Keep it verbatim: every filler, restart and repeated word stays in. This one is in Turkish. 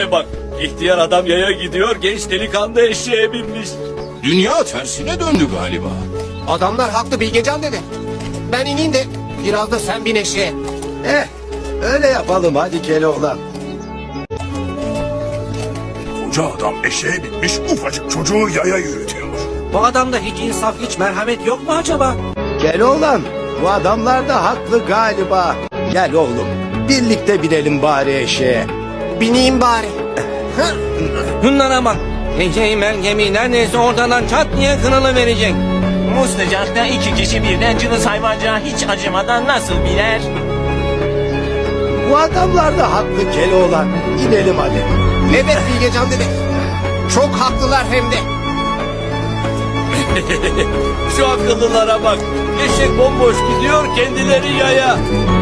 Bak, ihtiyar adam yaya gidiyor, genç delikanlı eşeğe binmiş. Dünya tersine döndü galiba. Adamlar haklı Bilgecan dede. Ben ineyim de biraz da sen bin eşeğe. Eh, öyle yapalım hadi Keloğlan. Koca adam eşeğe binmiş, ufacık çocuğu yaya yürütüyor. Bu adamda hiç insaf, hiç merhamet yok mu acaba? Keloğlan, bu adamlar da haklı galiba. Gel oğlum, birlikte binelim bari eşeğe. Bineyim bari. Bunlara bak. Eceği mergemi neredeyse ortadan çat diye kınalı verecek. Bu sıcakta iki kişi birden cılız hayvancağı hiç acımadan nasıl biner? Bu adamlar da haklı Keloğlan. İnelim hadi. Evet Bilgecan dede. Çok haklılar hem de. Şu akıllılara bak, eşek bomboş gidiyor, kendileri yaya.